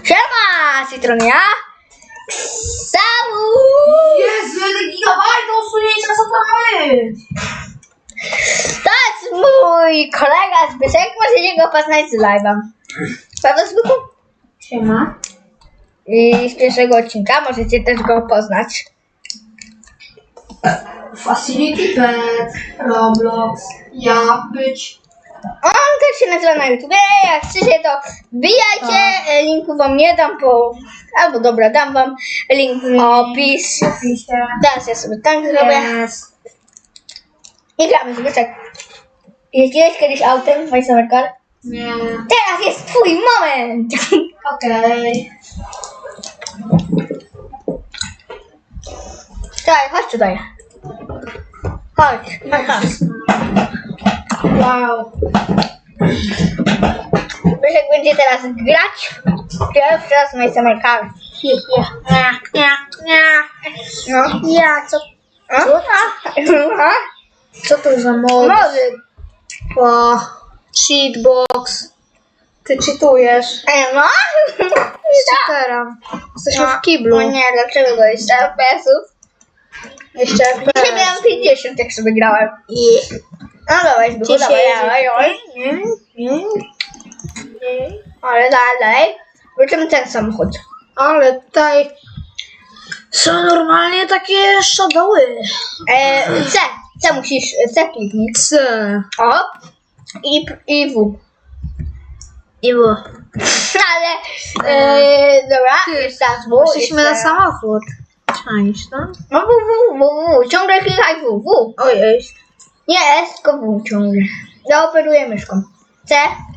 Siema, Citronia! Samu! Jezu, ile gigabajtów usunięcia, co to ma być? To jest mój kolega Zbyszek, możecie go poznać z live'a. Prawda, Zbyku? Siema. I z pierwszego odcinka możecie też go poznać. Facility Pet, Roblox, jak być. On też się nazywa na YouTube. Jak chcecie, to wbijajcie. Linku wam nie dam, albo dobra, dam wam link w opis. Oczywiście. Teraz ja sobie tak zrobię. Yes. I gramy, Zbyszek. Jeździłeś kiedyś autem w Car? Nie. Teraz jest twój moment! Okej. Daj, chodź tutaj. Chodź. Wow. Zbyszek będzie teraz grać pierwszy raz w Car. No. Ja, co? Co to za mod? Może. O, cheatbox. Ty cheatujesz. No? Cheaterem. Jesteśmy w No kiblu. nie, dlaczego to jest FPS-ów? Jeszcze Dzisiaj FPS. miałem 50, jak sobie grałem. No dawaj, Zbychu, dawaj. Ale dalej. Wrócimy ten samochód. Ale tutaj są normalnie takie shadowy. C musisz, C kliknij. C. O. I W. I było. Ale, dobra, jeszcze raz W. Przyszliśmy na samochód. Czaisz, no? No W. Ciągle klikaj W. Ojej. Nie S, tylko W ciągle. Ja operuję myszką. C.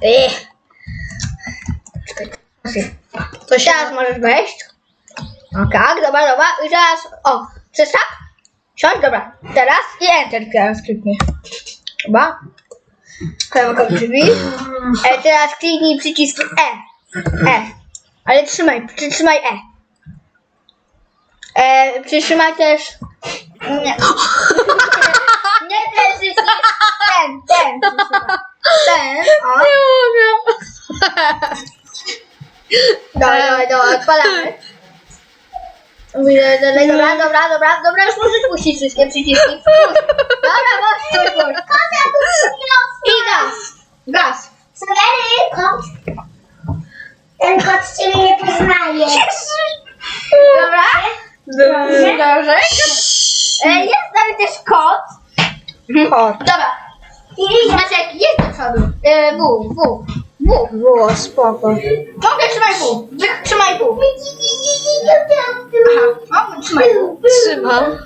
To się... Teraz możesz wejść. O tak, dobra. I teraz, o, chcesz tak? Siądź, dobra. Teraz i Enter teraz kliknij. Dobra. Klamka drzwi. Teraz kliknij przycisk E. Ale przytrzymaj E. Przytrzymaj też... Nie. Nie ten przycisk. Ten. Ten, o. Nie mogę. Dobra, odpalamy. Dobra, już możesz puścić wszystkie przyciski. Dobra, puść. I gaz. Ten kot cię nie poznaje. Dobra? Dobrze. Jest nawet też kot. Kot. Dobra. Maciek, jedź do przodu. W. Było spoko. Mogę trzymaj W. Trzymaj W. Aha, mogę trzymaj W. Trzymam.